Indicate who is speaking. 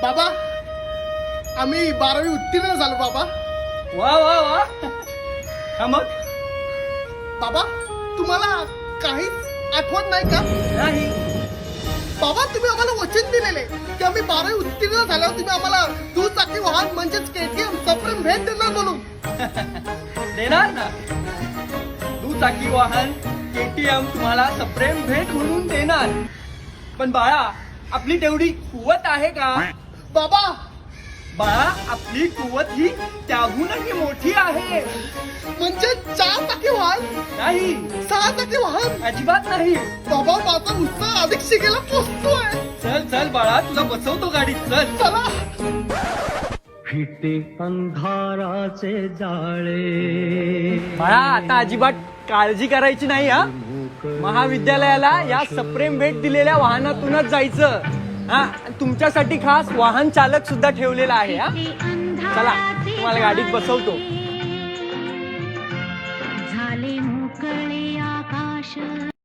Speaker 1: बाबा आम्ही 12वी उत्तीर्ण झालो बाबा.
Speaker 2: वा वा वा. हा मग
Speaker 1: बाबा तुम्हाला काहीच आठवण नाही का?
Speaker 2: नाही.
Speaker 1: बाबा तुम्ही आम्हाला वचन दिलेले की आम्ही 12वी उत्तीर्ण झाल्यावर तुम्ही आम्हाला दुचाकी वाहन म्हणजेच केटीएम सप्रेम भेट देणार म्हणून.
Speaker 2: देणार ना. दुचाकी वाहन केटीएम तुम्हाला सप्रेम भेट म्हणून देणार. पण बाळा आपली तेवढी कुवत आहे का?
Speaker 1: बाबा
Speaker 2: बाळा आपली कुवत ही त्याहूनही मोठी आहे.
Speaker 1: म्हणजे 4 चाकी वाहन,
Speaker 2: नाही
Speaker 1: 6 चाकी वाहन.
Speaker 2: अजिबात नाही.
Speaker 1: बाबा माझा उत्साह अधिक शिकेला पोचतोय.
Speaker 2: चल चल बाळा तुला बसवतो गाडीत. चल
Speaker 1: चला.
Speaker 3: फिटे अंधाराचे जाळे.
Speaker 2: बाळा आता अजिबात काळजी करायची नाही. हा महाविद्यालयाला या सप्रेम भेट दिलेल्या वाहनातूनच जायचं. हा तुमच्यासाठी खास वाहन चालक सुद्धा ठेवलेला आहे. हा चला तुम्हाला गाडीत बसवतो.
Speaker 4: झाले मोकळे आकाश.